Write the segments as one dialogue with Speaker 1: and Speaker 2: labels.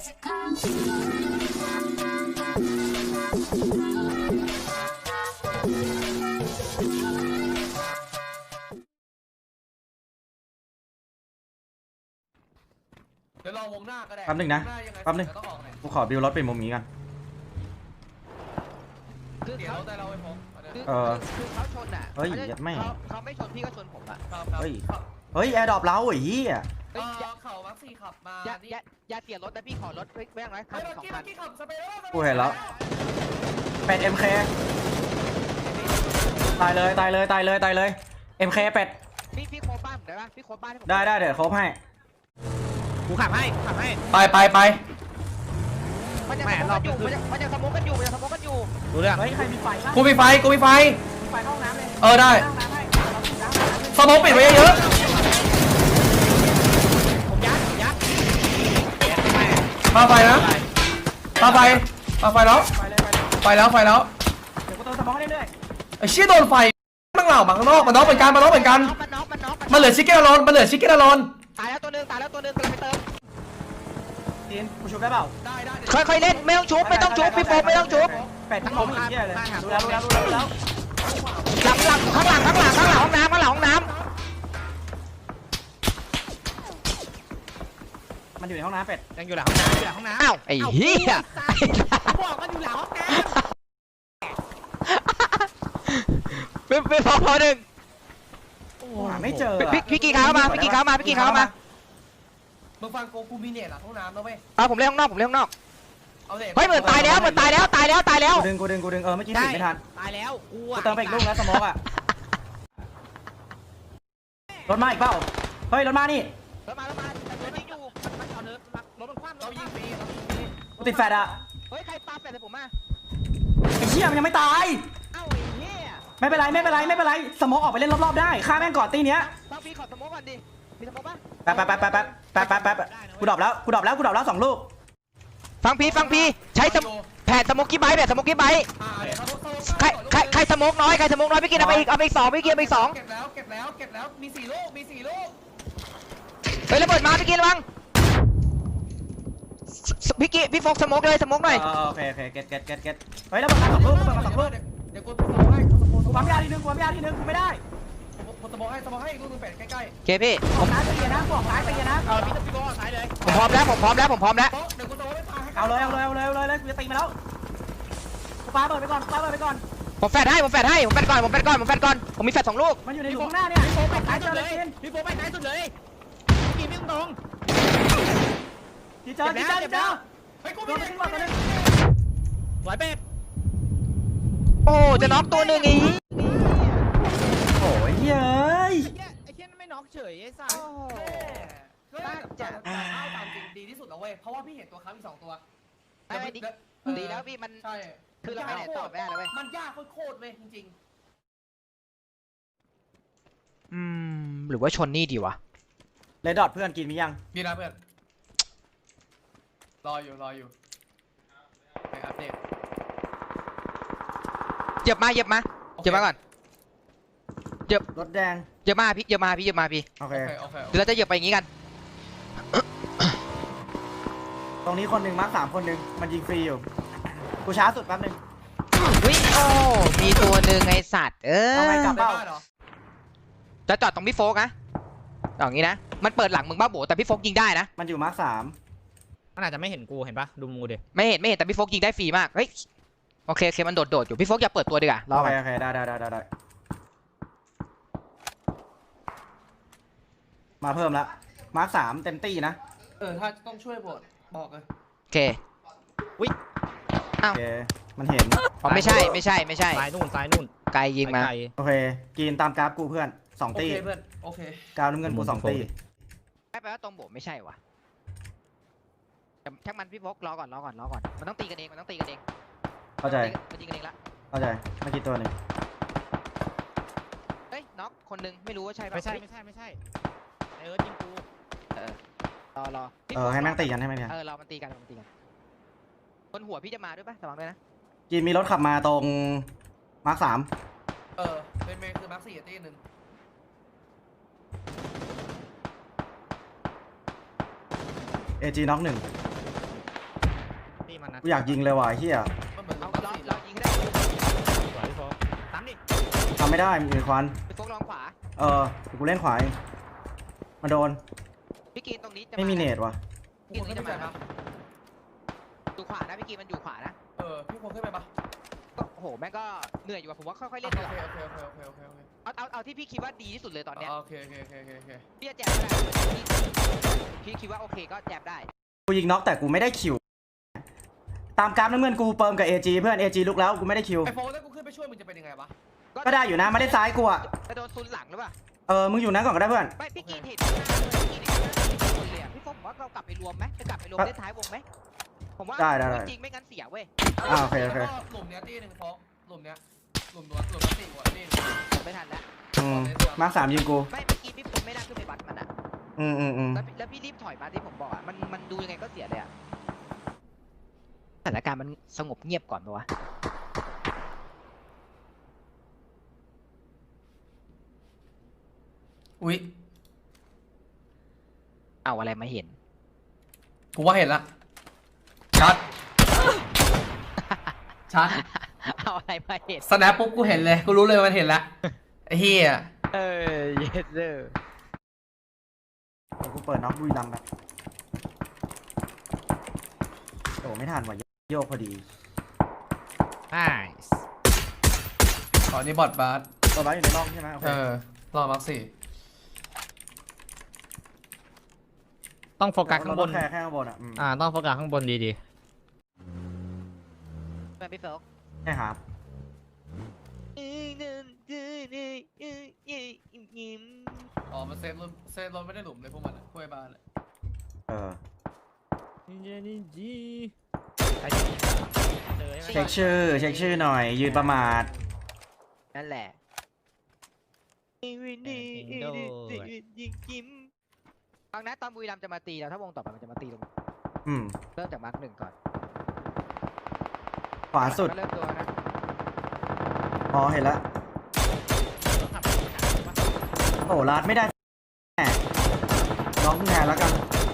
Speaker 1: เดี๋ยวรอวงหน้าก็ได้
Speaker 2: แป๊บนึงนะแป๊บนึงกูขอบิวรถเป็นมุมนี้กัน
Speaker 1: เดี๋ยวแต่เราไปพบ
Speaker 3: คือเขาชนอ่ะ
Speaker 2: เฮ้ยไม่
Speaker 3: เขาไม่ชนพี่ก็ชนผมอ่ะ
Speaker 2: เฮ้ยแอร์ดรอปเราไอ้เหี้ย
Speaker 1: เข่ามักซี่ขับมา
Speaker 3: อย่าเสียรถนะพี่ขอรถแม่งไรคันสองคัน
Speaker 2: กูเห็นแล้วเป็ด MK ตายเลย MK เป็ด
Speaker 3: พี่โคบ้านได้ปะพี่โคบ้าน
Speaker 2: ได้เดี๋ยวโคบให้
Speaker 4: กูขับให้
Speaker 2: ไป
Speaker 3: มันจะสมองกันอยู่
Speaker 4: ดูเรื่อง
Speaker 2: เฮ้ยใครมีไฟ
Speaker 5: กูมีไฟ
Speaker 2: เข้าห้องน้ำเลย
Speaker 5: ได้สมองปิดไว้เยอะ
Speaker 4: ผมยัด
Speaker 5: ปาไฟนะปาไฟแล้วไฟแล้ว
Speaker 2: เดี๋ยวกูเติมสมองเรื่อย
Speaker 5: ไอ้เชี่ยโดนไฟมั่งเหล่ามาข้างนอกมันน็อกเหมือนกันมันเหลือชิคเก้นอลอน
Speaker 3: ตายแล้วตัวนึงกำลังไปเติม
Speaker 2: จีนกูชุบได้เปล่า
Speaker 3: ค่อยเล่นไม่ต้องชุบพี่โฟมไม่ต้องชุบ
Speaker 2: เป็ดทั้งหมดเหี้ยเลยดูแล้ว
Speaker 3: ข้างหลังห้องน้ำ
Speaker 2: มันอยู่ในห้องน้ำเป็ด
Speaker 4: ยังอยู่หลังห้องน้ำ
Speaker 3: อ้าวไอ้เหี้ย
Speaker 4: บอกมันอยู่หลังห้องน้
Speaker 3: ำเป็นพอหนึ่ง
Speaker 2: ไม่เจอ
Speaker 3: พี่กี่เขามา
Speaker 1: มึงฟังกูมีเน็ตหลังห้องน้ำนะเว้ย
Speaker 3: ผมเล่นข้างนอก
Speaker 1: เฮ้ย
Speaker 3: เหมือนตายแล้ว
Speaker 2: กูดึงเมื่อกี้ติดไม่ทัน
Speaker 4: ตายแล้ว
Speaker 2: กูเติมไปอีกลูกแล้วสมองอ่ะรถมาอีกเปล่าเฮ้ยรถมานี่
Speaker 3: รถมาแต่ตัวนี้อยู่
Speaker 4: มันเอาเนื้อรถมันคว่ำ
Speaker 1: เรายิงฟรี
Speaker 2: กูติดแฟดอ่ะ
Speaker 3: เฮ้ยใครปาแฟดใส่ผมมา
Speaker 2: ไอ้เชี่ยมันยังไม่ตาย
Speaker 3: เอ้าไอ้เหี้ย
Speaker 2: ไม่เป็นไรสมองออกไปเล่นรอบๆได้ฆ่าแม่งก่อนตีเนี้ย
Speaker 3: ฟังพี่ขอสมองก่อนดิมีสมองป่ะ
Speaker 2: แป๊บกูดรอปแล้ว2ลูก
Speaker 3: ฟังพี่ใช้แผ่นสมองกี่ใบใครสมองน้อยพี่กินเอาไปอีก2พี่กินเอาไปอีก2
Speaker 1: เก็บแล้วมี4ลูก
Speaker 3: เฮ้ยระเบิดมาพี่กินระวังพี่โฟกสมองเลยสมองหน่อย
Speaker 2: โอเคเก็ตเฮ้ยระเบิดมา2ลูก
Speaker 1: เดี๋ยวกูสมองให้
Speaker 2: กูปั๊มยาทีนึงกูไม่ได้
Speaker 1: กูสมองให้อีกลูกนึงเป็ดใกล้
Speaker 3: ๆโอเคพี่
Speaker 2: ผมซ้ายไปเยนะบอกซ้ายไปเยนะ
Speaker 4: พี่โก้ซ้ายเลย
Speaker 3: ผมพร้อมแล้ว
Speaker 1: เดี๋ยวกูสมองไม่ตายให้
Speaker 2: เอาเลยกูจะตีมาแล้วกูปาเปิดไปก่อน
Speaker 3: ผมแฟดให้ผมแฟดก่อนผมมีแฟด2ลูก
Speaker 2: มันอยู่ในหลุมข้างหน้าเนี่ย
Speaker 4: พี่โฟไปซ้ายสุดเลยกินไม่ตรง
Speaker 2: จีเจอ
Speaker 1: ไปกูไม่ได้ขึ้นมาตอนนี้
Speaker 4: ไหวเป็ด
Speaker 3: โอ้จะน็อกตัวนึงอี
Speaker 2: โอ้ยเย้ย
Speaker 4: ไอ้เช่นไม่น็อกเฉยไอ้สัส
Speaker 1: จะตามจริงดีที่สุดแล้วเว้ยเพราะว่าพี่เห็นตัวค้ำอีก2ตัว
Speaker 3: ดีแล้วพี่มัน
Speaker 1: ใช่
Speaker 3: คือเราไม่ได้ตอบไม่ได้แล้วเว้ย
Speaker 1: มันยากโคตรเว้ยจริง
Speaker 3: หรือว่าชนนี่ดีวะ
Speaker 2: เลดดอทเพื่อนกินมียัง
Speaker 1: มีนะเพื่อนรออยู่ไปอัปเดต
Speaker 3: เหยียบมาก่อน
Speaker 2: รถแดง
Speaker 3: เหยียบมาพี่
Speaker 2: โอเค
Speaker 3: เดี๋ยวเราจะเหยียบไปอย่างงี้กัน
Speaker 2: ตรงนี้คนหนึ่งมาร์ค3คนหนึ่งมันยิงฟรีอยู่กูช้าสุดแป๊บนึง
Speaker 3: วิ่งโอ้มีตัวหนึ่งไอสัตว์
Speaker 2: เอาไงกลับเป้า
Speaker 3: จะจอดตรงพี่โฟกนะอย่างงี้นะมันเปิดหลังมึงบ้าโบแต่พี่โฟกยิงได้นะ
Speaker 2: มันอยู่มาร์ค3
Speaker 4: มันอาจจะไม่เห็นกูเห็นปะดูมูดิ
Speaker 3: ไม่เห็นแต่พี่โฟกยิงได้ฟรีมากเฮ้ยโอเคมันโดดอยู่พี่โฟกอย่าเปิดตัวดีกว่ารอไป
Speaker 2: โอเคได้มาเพิ่มแล้วมาร์ค3เต็มตี้นะ
Speaker 1: ถ้าต้องช่วยบอกเลย
Speaker 3: โอเควิอ้าว
Speaker 2: มันเห็น
Speaker 3: ไม่ใช่
Speaker 4: ซ้ายนู่น
Speaker 3: ไกลยิงมา
Speaker 2: โอเคกินตามกราฟกูเพื่อน2ตี
Speaker 1: เพื่อนโอเค
Speaker 2: กราฟน้ำเงินกู2ตี
Speaker 3: แปลว่าตรงโบไม่ใช่วะช่างมันพี่โฟกรอก่อนมันต้องตีกันเอง
Speaker 2: เข้าใจ
Speaker 3: มันตีกันเองละ
Speaker 2: เข้าใจเมื่อกี้ตัวนึง
Speaker 3: เฮ้ยน็อกคนนึงไม่รู้ว่าใช่
Speaker 4: ป่ะไม่ใช่ยิงกู
Speaker 3: รอ
Speaker 2: ให้แม่งตีกัน
Speaker 3: รอมันตีกันบนหัวพี่จะมาด้วยป่ะระวังด้วยนะ
Speaker 2: กินมีรถขับมาตรงมาร์ค3
Speaker 1: เป็นเมย์คือมาร์ค4ตีนึง
Speaker 2: AGน็อก1
Speaker 4: มันนะ
Speaker 2: กูอยากยิงเลยว่ะไอ้เฮีย
Speaker 1: มันเหมือน
Speaker 3: เอา
Speaker 1: เรา
Speaker 3: เรายิงได้
Speaker 4: สวยพี่โฟกตามดิ
Speaker 2: ทำไม่ได้มีควัน
Speaker 3: พี่โฟกลองขวา
Speaker 2: เออเดี๋ยวกูเล่นขวาเองมาโดน
Speaker 3: พี่กีนตรงนี้จะ
Speaker 2: ไม่มีเนตว่ะ
Speaker 1: พี่คนขึ้นไปปะ
Speaker 3: อยู่ขวานะพี่กีนมันอยู่ขวานะ
Speaker 1: พี่คนขึ้นไปปะ
Speaker 3: ก็โอ้โหแม่งก็เหนื่อยอยู่ว่ะผมว่าค่อยๆเล่น
Speaker 1: โอ
Speaker 3: ดีก
Speaker 1: เค
Speaker 3: ว่า
Speaker 1: โอเค
Speaker 3: เอาที่พี่คิดว่าดีที่สุดเลยตอนเนี้ย
Speaker 1: โอเค
Speaker 3: พี่จะแจมก็ได้พี่คิดว่าโอเคก็แจมได้
Speaker 2: กูยิงน็อกแต่กูไม่ได้คิวตามกราฟน้ำเงินกูเปิมกับ AG เพื่อน AG ลุกแล้วกูไม่ได้คิว
Speaker 1: ไอโฟนถ้ากูขึ้นไปช่วยมึงจะเป็นยังไงวะ
Speaker 2: ก็ได้อยู่นะมาได้ซ้ายกูอ่ะ
Speaker 3: จะโดนซุนหลังหรือเปล่า
Speaker 2: มึงอยู่นั้นก่อนก็ได้เพื่อน
Speaker 3: ไม่พี่กีนเห็นข้างหน้าเลยพี่กีนเห็นข้างหน้ามีคนเลยอะพี่โฟกผมว่าเรากลับไปรวมไหมจะกลับไปรวมเล่นท้ายวงไหมผมว่าจริงไม่งั้นเสียเว้ย
Speaker 2: โอเคโอเค
Speaker 1: แล้วก็หลุมเนี้ยตีหนึ่งโฟกหลุมเนี้ยหลุมตีหัวตี
Speaker 3: ผมไม่ทันแล้ว
Speaker 2: มาร์คสามยิงกู
Speaker 3: ไม่เมื่อกี้พี่ผมไม่น่าขึ้นไปบัตมันอะ
Speaker 2: อืม
Speaker 3: แล้วพี่รีบถอยมาที่ผมบอกอะมันดูยังไงก็เสียเลยอะสถานการณ์มันสงบเงียบก่อนปะวะ
Speaker 1: อุ๊ย
Speaker 3: เอาอะไรมาเห็น
Speaker 1: กูว่าเห็นละชัด ชัด
Speaker 3: เอาอะไรมาเห็น
Speaker 1: สแนปปุ๊บกูเห็นเลยกูรู้เลยมันเห็นละไอ้เฮีย
Speaker 3: เยสเซอร์
Speaker 2: เดี๋ยวกูเปิดน็อกบุยลำแบบโอ้ไม่ทันว่ะโยกพอดี
Speaker 4: ไอ้
Speaker 1: อ๋อนี่บอดบาส
Speaker 2: ตัวบ้าอยู่ในร่องใช่ไหมโอเค
Speaker 1: รอมาร์คสี่
Speaker 4: ต้องโฟกัสข้างบน
Speaker 2: แค่ข้างบนอ่ะ
Speaker 4: ต้องโฟกัสข้างบนดี
Speaker 3: เป็นพี่โฟก
Speaker 2: ใช่ครับ
Speaker 1: อ๋อมันเซฟรถไม่ได้หลุมเลยพวกมันอะกล้วยบานเลย
Speaker 4: นี่จีใครเจอใช่ไหม
Speaker 2: เช็คชื่อหน่อย ยืนประมาท
Speaker 3: นั่นแหละฟังนะตอนบุรีรัมย์จะมาตีเราถ้าวงต่อไปมันจะมาตีลง เริ่มจากมาร์คหนึ่งก่อน
Speaker 2: ขวาสุด
Speaker 3: ก็เริ่มตัวนะ
Speaker 2: อ๋อเห็นแล้วโอ้ลาดไม่ได้แหมน้องแทนแล้วกัน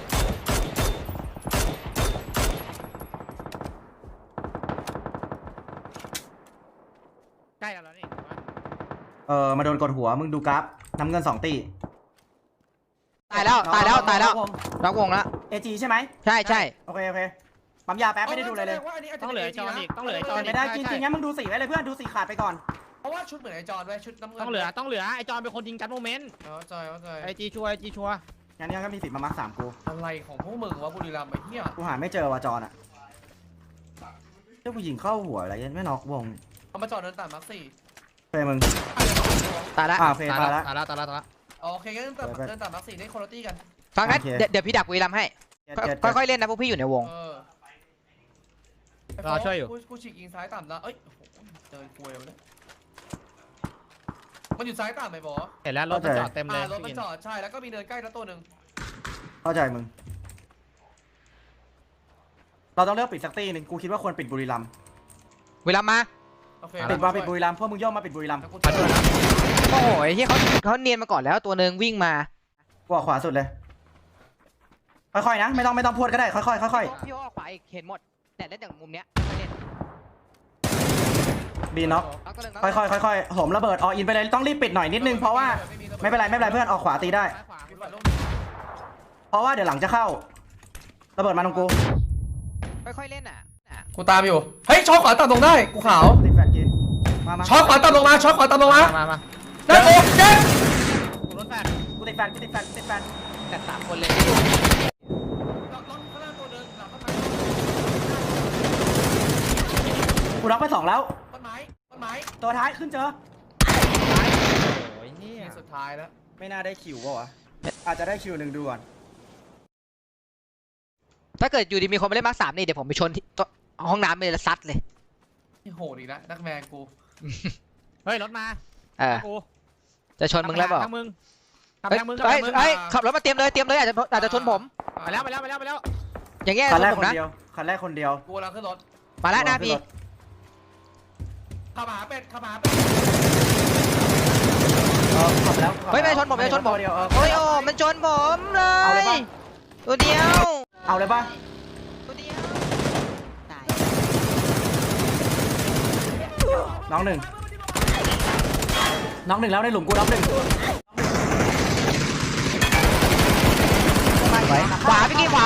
Speaker 4: ใกล้แล้วนี่
Speaker 2: มาโดนกดหัวมึงดูกราฟน้ำเงิน2 ตี
Speaker 3: ตายแล้วล็อกวงแล้ว
Speaker 2: AG ใช่ไหม
Speaker 3: ใช่
Speaker 2: โอเคปั๊มยาแป๊บไม่ได้ดูเลย
Speaker 4: ต้องเหลือไอจอนอีกต้องเหลือไอจอน
Speaker 2: เป็น
Speaker 4: อี
Speaker 2: ไม่
Speaker 4: ก
Speaker 2: ได้จริงๆงั้นมึงดูสีไว้เลยเพื่อนดูสีขาดไปก่อน
Speaker 1: เพราะว่าชุดเหมือนไอจอนไว้ชุดน้ำเงิน
Speaker 4: ต้องเหลือไอจอนเป็นคนยิงกันโมเมนต์
Speaker 1: เข้าใจ
Speaker 4: ไอจีชัวร์
Speaker 2: งั้นเนี่ยก็มีสิทธิ์มามาร์ค3กู
Speaker 1: อะไรของพวกมึงวะบุรีรัมย์ไอ้เหี้ย
Speaker 2: กูหาไม่เจอว่ะจอนอ่ะเจ้าผู้หญิงเข้าหัวอะไรยันไม่น็อกวง
Speaker 1: เอามาจอดเดินตามมาร์คสี่
Speaker 2: เฟยมึง
Speaker 3: ตายแล้ว
Speaker 2: โอเคตายละ
Speaker 4: ตายแล้ว
Speaker 1: โอเคงั้นเดินตามมาร์คสี่ได้คนละตี้กัน
Speaker 3: ฟังนะ
Speaker 2: โอเค
Speaker 3: เดี๋ยวพี่ดักบุรีรัมย์ให้ ค่อยๆเล่นนะพวกพี่อยู่ในวง
Speaker 4: รอช่วยอยู่
Speaker 1: กูฉีกยิงซ้ายต่ำแล้วเอ้ยเดินกลวยเลยมันอยู่ซ้ายต่ำไหมบอ
Speaker 4: เห็นแล้วรถมันจอดเต็มเลย
Speaker 1: รถมันจอดใช่แล้วก็มีเนินใกล้แล้วตัวหนึ่ง
Speaker 2: เข้าใจมึงเราต้องเลือกปิดสักตีหนึ่งกูคิดว่าควรปิดบุรีรัมย์
Speaker 3: บุรีรัมย์มา
Speaker 1: โอเค
Speaker 2: ปิดว่าปิดบุรีรัมย์พวกมึงย่อมมาปิดบุรีรัมย์
Speaker 1: แล้วกูช่วยนะ
Speaker 3: โอ้โหไอ้ที่เขาเนียนมาก่อนแล้วตัวหนึ่งวิ่งมา
Speaker 2: กูออกขวาสุดเลยค่อยๆนะไม่ต้องพูดก็ได้ค่อยๆค่อย
Speaker 3: พี่โอ้ขวาอีกเห็นหมดแต่เล่นจากมุมเนี้ยไม่เล่น
Speaker 2: ๆบีน็อก
Speaker 3: ล็อกตัวหนึ่ง
Speaker 2: ค่อยๆโหมระเบิดออินไปเลยต้องรีบปิดหน่อยนิดนึงเพราะว่าไม่เป็นไรเพื่อนออกขวาตีได้
Speaker 4: ซ้ายขวา
Speaker 1: มีฝ่ายลง
Speaker 2: เพราะว่าเดี๋ยวหลังจะเข้าระเบิดมาตรงกู
Speaker 3: ค่อยๆเล่นอ่ะ
Speaker 1: กูตามอยู่เฮ้ยช็อตขวาต่ำลงได้กูขาว
Speaker 2: ติดแฟนกินมา
Speaker 1: ช็อตขวาต่ำลงมาช็อตขวาต่ำลงมา
Speaker 4: มา
Speaker 1: ได้โอ้เจ๊
Speaker 4: รถแฟน
Speaker 2: กูติดแฟน
Speaker 3: แต่3 คนเลย
Speaker 1: รถข้างล่างตัวเดินหลังต้นไม้
Speaker 2: กูน็อกไป2แล้ว
Speaker 1: ต้นไม้
Speaker 2: ตัวท้ายขึ้นเจอ
Speaker 4: โอ้ยเนี่
Speaker 1: นี่
Speaker 4: ย
Speaker 1: สุดท้ายแล้ว
Speaker 2: ไม่น่าได้คิวป่ะวะอาจจะได้คิวหนึ่งดูก่อน
Speaker 3: ถ้าเกิดอยู่ดีมีคนมาเล่นมาร์ค3นี่เดี๋ยวผมไปชนที่ห้องน้ำไปเลยแล้วซัดเลย
Speaker 1: นี่โหดอีกแล้วนักแมนกู
Speaker 4: เฮ้ยรถมา กู
Speaker 3: จะชนมึงแล้วบอก
Speaker 4: ทางมึงทาง
Speaker 3: เฮ้ย
Speaker 4: มึง
Speaker 3: ขับรถมาเตรียมเลยอาจจะชนผม
Speaker 4: ไปแล้ว
Speaker 3: อย่างเงี้ย
Speaker 2: คั
Speaker 3: ช
Speaker 2: นแร
Speaker 3: น
Speaker 2: ก
Speaker 3: ผม
Speaker 2: คน
Speaker 3: นะ
Speaker 2: เดียวคันแรกคนเดียว
Speaker 1: กูกำลังขึ้นรถ
Speaker 3: มาแล้วหน้าพี่
Speaker 1: ขับหาเป็ด
Speaker 2: ขับแล้ว
Speaker 3: เฮ้ยไม่ชนผม
Speaker 2: เดียว
Speaker 3: โอ้ยโอ้มันชนผมเล
Speaker 2: เอาเลย
Speaker 3: ย
Speaker 2: ป่ะ
Speaker 3: ตัวเดียว
Speaker 2: เอาเลยป่ะ
Speaker 3: ตัวเดียวตาย
Speaker 2: น้องหนึ่งแล้วในหลุมกูน้องหนึ่ง
Speaker 3: ขวาพี่กี้ขวา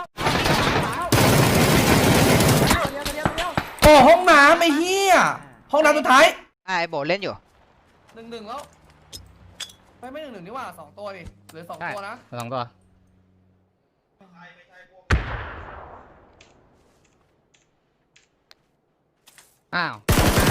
Speaker 5: โอ้ห้องน้ำไอ้เหี้ยห้องน้ำสุดท้าย
Speaker 3: ไอ้โบเล่นอยู่
Speaker 1: 1-1แล้วไม่1-1นี่ว่า2ตัวดิเหลือ2ตัวนะ
Speaker 4: สองตัวอ้าว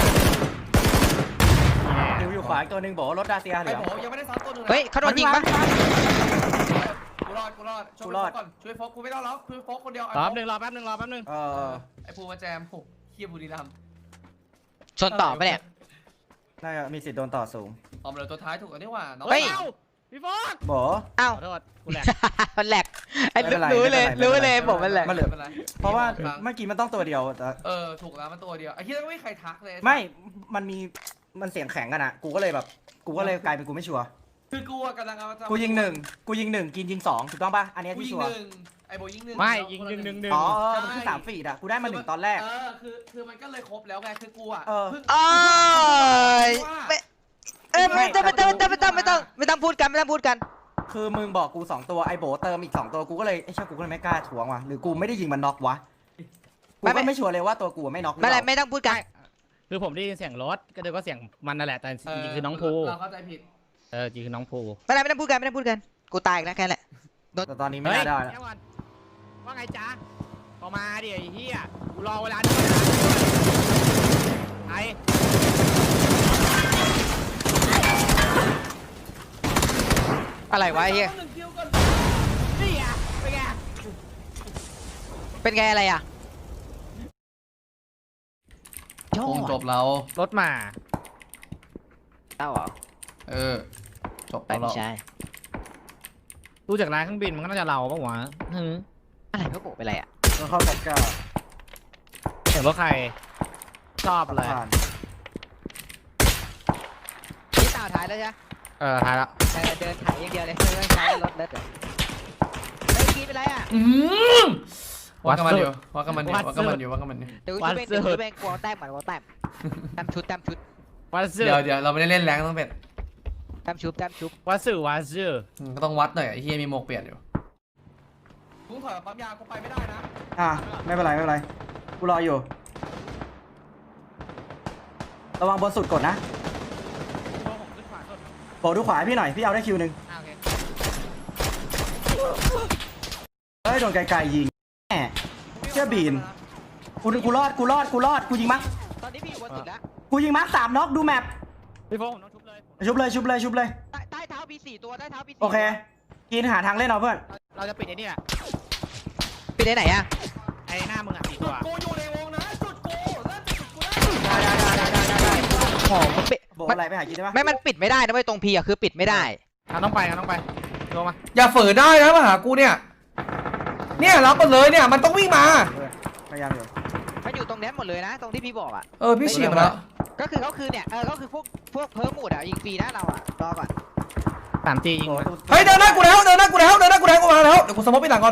Speaker 2: อยู่ขวาอีกตัวหนึ่งบอกว่ารถดาเซียเหลื
Speaker 1: ไอ้
Speaker 2: อ
Speaker 1: โบยังไม่ได้ซัดตัวนึง
Speaker 3: เฮ้ยเขาโดนยิงปะ
Speaker 1: กูรอดช่วยโฟกก่อนช่วยโฟกกูไม่ต้องแล้วช่วยโฟกคนเดียว
Speaker 4: รอแป๊บนึงรอแป๊บนึง
Speaker 1: ไอ้ภูมาแจมโหเคียบุรีรัมย์
Speaker 3: ชนต่อปะเนี่ย
Speaker 2: น่าจะมีสิทธิ์โดนต่อสูง
Speaker 1: ออมเหลือตัวท้ายถูกกันนี่หว่าน้อง
Speaker 3: เฮ้ย
Speaker 4: เอ้าพี่โฟก
Speaker 2: บอก
Speaker 3: อ้าว
Speaker 4: ขอโทษกูแหลก
Speaker 3: มันแหลกไอ้
Speaker 2: ไม่เป็นไร
Speaker 3: รู้เลย
Speaker 2: ไม่เป็นไร
Speaker 3: บอกมันแหลก
Speaker 2: มันเหลือ
Speaker 1: ไม่เป็นไร
Speaker 2: เพราะว่าเมื่อกี้มันต้องตัวเดียวแต่
Speaker 1: ถูกแล้วมันตัวเดียวไอ้เคียก็ไม่มีใครทักเลย
Speaker 2: ไม่มันเสียงแข็งกันอ่ะกูก็เลยกลายเป็นกูไม่ชัวร์
Speaker 1: คือกูกำลังเอา
Speaker 2: กูยิงหนึ่งกินยิงสองถูกต้องป่ะอันนี้
Speaker 1: กู
Speaker 2: ที่
Speaker 1: ยิง
Speaker 2: ชัวร์
Speaker 1: 1ไอ้โบยิง1
Speaker 4: ไม่ยิงหนึ่ง
Speaker 2: อ๋อมันคือ3 ฟีดอ่ะกูได้มา1ตอนแรก
Speaker 1: คือมันก็เลยครบแล้วไงคือกูอ่ะ
Speaker 3: อ้ยไม่ต้องพูดกัน
Speaker 2: คือมึงบอกกู2ตัวไอ้โบเติมอีก2ตัวกูก็เลยไอ้เชี่ยกูก็เลยไม่กล้าทวงว่ะหรือกูไม่ได้ยิงมันน็อกวะกูก็ไม่ชัวร์เลยว่าตัวกูไม่น็อก
Speaker 3: ไม่ต้องพูดกัน
Speaker 4: คือผมได้ยินเสียงรถก็เลยว่าเสียงมันนั่นแหละแต่จริงๆคือน้องภู
Speaker 1: เราเข้าใจผิด
Speaker 4: จริงคือน้องภู
Speaker 3: ไม่ต้องพูดกันกูตายอีกแล้วแค่นั้นแหละ
Speaker 2: แต่ตอนนี้ไม่น่าได้แล้ว
Speaker 4: เดี๋ยวก่อนว่าไงจ๊ะก็มาดิไอ้เหี้ยกูรอเวลานี้ไอ้
Speaker 3: อะไรวะไอ้เหี้ย
Speaker 4: นี่อ่ะเป็นไง
Speaker 3: เป็นไงอะไรอ่ะ
Speaker 5: วงจบเรา
Speaker 4: รถมา
Speaker 3: เต้าเหรอ
Speaker 5: จบ
Speaker 3: ไป
Speaker 5: เรา
Speaker 3: ไม่ใช่
Speaker 4: ดูจากร้านเครื่องบินมันก็น่าจะเราปะวะ
Speaker 3: อะไรเขาโกะเป็นไรอ่ะ
Speaker 2: แล้วเข้ากับก้า
Speaker 4: เสียงรถใครชอบเลย
Speaker 2: ผ่าน
Speaker 3: นี่ต่าท้ายแล้วใช่ไหม
Speaker 4: ท้ายแล้ว
Speaker 3: เดินถ่ายอย่างเดียวเลยไม่ใช้รถเล็ดเลยเฮ้ยกี้เป็นไรอ่ะ
Speaker 5: ว่ากันมันอยู่
Speaker 3: เดี๋ยวกูช่วยเบงกลัวแต้มเหมือนกลัวแต้มแต้มชุด
Speaker 4: วัดซื่อ
Speaker 5: เดี๋ยวเราไม่ได้เล่นแรงต้องเป็ด
Speaker 3: แต้มชุบ
Speaker 4: วัดซื่อ
Speaker 5: ก็ต้องวัดหน่อยไอ้เฮียมีหมวกเปลี่ยนอยู่
Speaker 1: กูถอยปั๊มยากูไปไม่ได้นะ
Speaker 2: ไม่เป็นไรกูรออยู่ระวังบนสุดกดนะ
Speaker 4: ตัวผมขึ้นขวาสุด
Speaker 2: โบดูขวาให้พี่หน่อยพี่เอาได้คิวหนึ่ง
Speaker 4: โอเค
Speaker 2: เฮ้ยโดนไกลๆยิงแหมเชื่อบีนกูรอดกูยิงมั้ง
Speaker 3: ตอนนี้พี่อยู่บนสุดแล้ว
Speaker 2: กูยิงมั้ง3น็อกดูแมป
Speaker 4: พี่โฟผมต้องชุบเลย
Speaker 2: ชุบเลย
Speaker 3: ใต้เท้ามี4ตัวใต้เท้ามี4
Speaker 2: โอเคกินหาทางเล่นเอาเพื่อน
Speaker 4: เราจะปิดไอ้นี่แหละ
Speaker 3: ไปไหนอ่ะ
Speaker 4: ไอ้หน้ามึงอ่ะ4ตัว
Speaker 1: กูอยู่ในวงนะจุดกูเริ่มจุดกูได้
Speaker 3: ของมันปิด
Speaker 2: โบอะไรไปหากินได้ปะ
Speaker 3: ไม่มันปิดไม่ได้นะเว้ยตรงพีอ่ะคือปิดไม่ได้
Speaker 4: ต้องไปลงมา
Speaker 5: อย่าฝืนได้นะมาหากูเนี่ยรับมันเลยเนี่ยมันต้องวิ่งมา
Speaker 2: พยายามอยู่
Speaker 3: มันอยู่ตรงนี้หมดเลยนะ ตรงที่พี่บอกอ่ะ
Speaker 5: พี่ฉีกมาแล้ว
Speaker 3: ก็คือเนี่ยก็คือพวกเพิ่มหมดอ่ะยิงฟรีนะเราอ่ะรอก่อน
Speaker 4: 3G ยิง
Speaker 5: เฮ้ยเดินหน้ากูแล้วกูมาแล้วเดี๋ยวกูสมมติไปหลังก่อน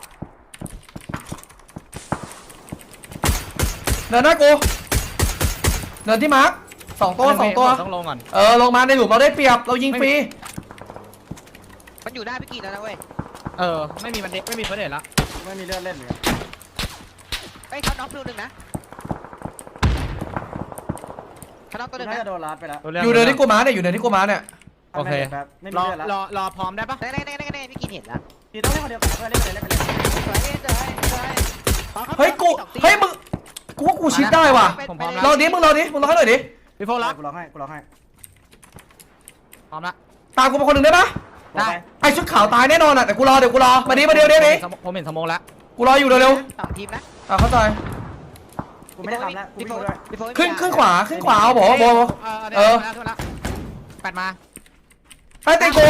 Speaker 5: เดินหน้ากูเดินที่มาร์ค2 ตัว
Speaker 4: ต้องลงก่อน
Speaker 5: ลงมาในหลุมเราได้เปรียบเรายิงฟรี
Speaker 3: มันอยู่หน้าพี่กีแล้วนะเว้ย
Speaker 4: ไม่มีมันเด็กไม่มีเฟิร์สเดทแล้ว
Speaker 2: ไม่มีเลือดเล่นเหมือนกัน
Speaker 3: เฮ้ยเขาน็อกตัวหนึ่งนะเขาน็อกตัวหนึ่ง
Speaker 2: น่า
Speaker 3: นะ
Speaker 2: จะโดนรัดไปแล้ว
Speaker 5: อยู่เดินที่กูมาเนี่ย
Speaker 4: โอเค
Speaker 2: ไม่มีเลือดแล้ว
Speaker 4: รอพร้อมได้ปะ
Speaker 3: แน่พี่กีเห็นแล้ว
Speaker 2: พี่ต้องเล่นคนเดียวกันเพื่อนเล่นไปเลย
Speaker 5: เฮ้ยมึงกูว่ากูชิดได้ว่ะรอดิมึงรอให้หน่อยดิ
Speaker 4: พี่โฟล็อก
Speaker 2: กูร้องให้
Speaker 4: พร้อมละ
Speaker 5: ตามกูมาคนหนึ่งได้ปะ
Speaker 4: ได้
Speaker 5: ไอชุดขาวตายแน่นอนอ่ะแต่กูรอมาดิ
Speaker 4: ผมเห็นสมองแล้ว
Speaker 5: กูรออยู่เร็ว
Speaker 3: 2 ทีมนะ
Speaker 5: เข้าใจ
Speaker 2: กูไม่ได้ทำแล้วกูไม่ด้วย
Speaker 5: ขึ้นขวาเอาบอกขึ้นละ
Speaker 4: แปดมา
Speaker 5: ใต้เตะกู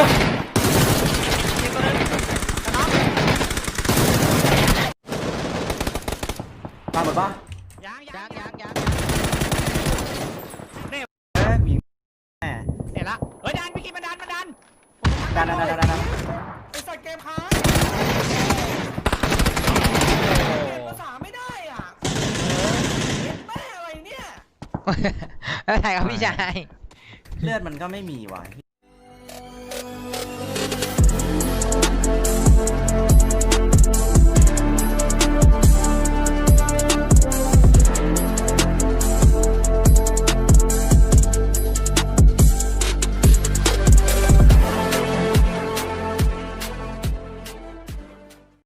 Speaker 2: ตามหมดปะ
Speaker 4: ยัง
Speaker 2: ยิงแหม
Speaker 4: เห็นละเฮ้ยดันพี่กิ๊มันดัน
Speaker 2: ดัน
Speaker 1: ไอ้สัตว์เกมค้างภาษาไม่ได้อ่ะแม่อะไรเนี่ย
Speaker 3: ไม่เป็นไรครับพี่ชาย
Speaker 2: เลือดมันก็ไม่มีว่ะ